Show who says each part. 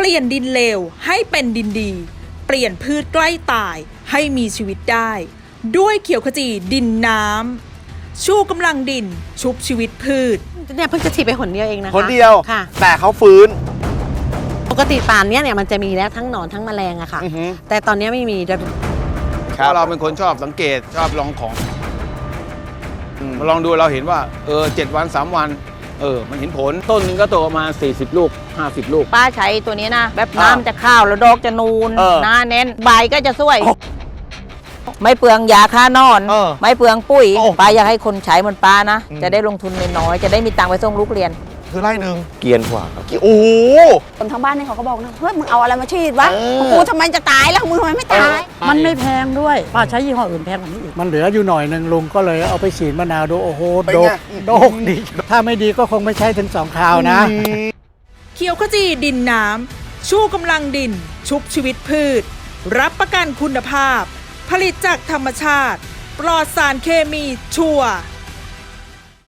Speaker 1: ลี่ยนดินเลวให้เป็นดินดีเปลี่ยนพืชใกล้ตายให้มีชีวิตได้ด้วยเขียวขจีดินน้ำชูกำลังดินชุบชีวิตพืช
Speaker 2: เนี่ยเพิ่งจะฉีดไปหนเดียวเองนะคะ
Speaker 3: หนเดียว
Speaker 2: ค่ะ
Speaker 3: แต่เขาฟื้น
Speaker 2: ปกติตาลเนี่ยมันจะมีแล้วทั้งหนอนทั้งแมลงอะค่ะแต่ตอนนี้ไม่มี
Speaker 4: เพราะเราเป็นคนชอบสังเกตชอบลองของมาลองดูเราเห็นว่า7 วัน3 วันมันเห็นผลต้นนึงก็โตประมาณ40 ลูก50 ลูก
Speaker 5: ป้าใช้ตัวนี้นะแบบน้ำจะข้าวแล้วดอกจะนูนหน้าเน้นใบก็จะสวยไม่เปลืองยาฆ่านอนไม่เปลืองปุ๋ยป้าอยากให้คนใช้เหมือนป้านะจะได้ลงทุนน้อยๆจะได้มีตังค์ไปส่งลูกเรียน
Speaker 3: คือไร่หนึ่ง
Speaker 4: เกียนกว่าครับ
Speaker 3: โอ้โห
Speaker 5: คนทั้งบ้านนี่เขาก็บอกนะเฮ้ยมึงเอาอะไรมาฉีดวะกูทำไมจะตายแล้วมึงทำไมไม่ตาย
Speaker 6: มันไม่แพงด้วยป้าใช้ยี่ห้ออื่นแพงกว่านี้อีกมันเหลืออยู่หน่อยหนึ่งลุงก็เลยเอาไปฉีดมะนาวดูโอ้โหโดกดีถ้าไม่ดีก็คงไม่ใช่ถึง2 คราวนะ
Speaker 1: เขียวขจีดินน้ำชูกำลังดินชุบชีวิตพืชรับประกันคุณภาพผลิตจากธรรมชาติปลอดสารเคมีชัวร์